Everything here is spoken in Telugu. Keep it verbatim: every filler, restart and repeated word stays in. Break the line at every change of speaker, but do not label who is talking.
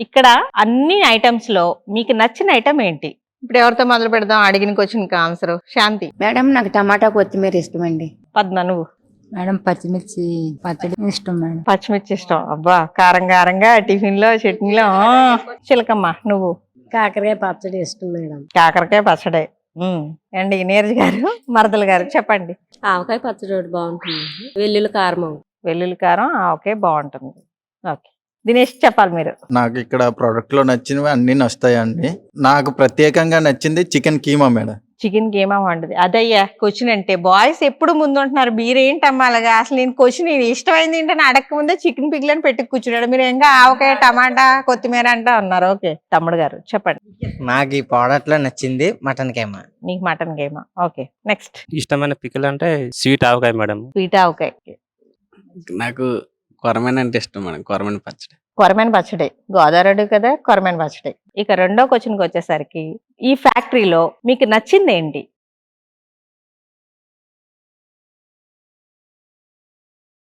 ఇక్కడ అన్ని ఐటమ్స్ లో మీకు నచ్చిన ఐటమ్ ఏంటి? ఇప్పుడు ఎవరితో మొదలు పెడదాం? అడిగిన క్వశ్చన్ కి ఆన్సర్. శాంతి.
మేడం నాకు టమాటా కొత్తిమీర ఇష్టం అండి.
పద్మ నువ్వు?
మేడం పచ్చిమిర్చి పచ్చడి ఇష్టం మేడం.
పచ్చిమిర్చి ఇష్టం. అబ్బా కారం కారంగా టిఫిన్ లో చట్నీలో. ఆ, చిలకమ్మ నువ్వు?
కాకరకాయ పచ్చడి ఇష్టం మేడం.
కాకరకాయ పచ్చడే. ఉమ్. అండి నీరజ్ గారు, మరదలు గారు చెప్పండి.
ఆవకాయ పచ్చడి ఒకటి బాగుంటుంది, వెల్లుల్లి కారం.
వెల్లుల్లి కారం ఓకే బాగుంటుంది. ఓకే దినేష్ చెప్పాలి మీరు.
నాకు ఇక్కడ ప్రోడక్ట్ లో నచ్చినవి అన్ని నచ్చుతాయండి. నాకు ప్రత్యేకంగా నచ్చింది chicken keema madam.
Chicken keema వండదు అదయ్యా క్వశ్చన్ అంటే. బాయ్స్ ఎప్పుడు ముందు ఉంటున్నారు, మీరేంటమ్మా అలాగా? అసలు నేను క్వశ్చన్ నేను ఇష్టమైంది ఏంటని అడగక ముందే చికెన్ పిగ్లని పెట్టి కూర్చున్నాడు. మీరు ఇంకా ఆవకాయ టమాటా కొత్తిమీర అంటే అన్నారు. ఓకే తమ్ముడు గారు చెప్పండి.
నాకు ఈ ప్రోడక్ట్ లో నచ్చింది మటన్ కైమా.
నీకు మటన్ గేమా. Okay next.
ఇష్టమైన పికిల్ అంటే sweet avakaya madam.
Sweet avakaya.
నాకు కొరమైన అంటే ఇష్టం మేడం, కొరమైన పచ్చడి.
కొరమైన పచ్చడి. గోదావరి కదా కొరమైన పచ్చడి. ఇక రెండో క్వశ్చన్కి వచ్చేసరికి ఈ ఫ్యాక్టరీలో మీకు నచ్చింది ఏంటి?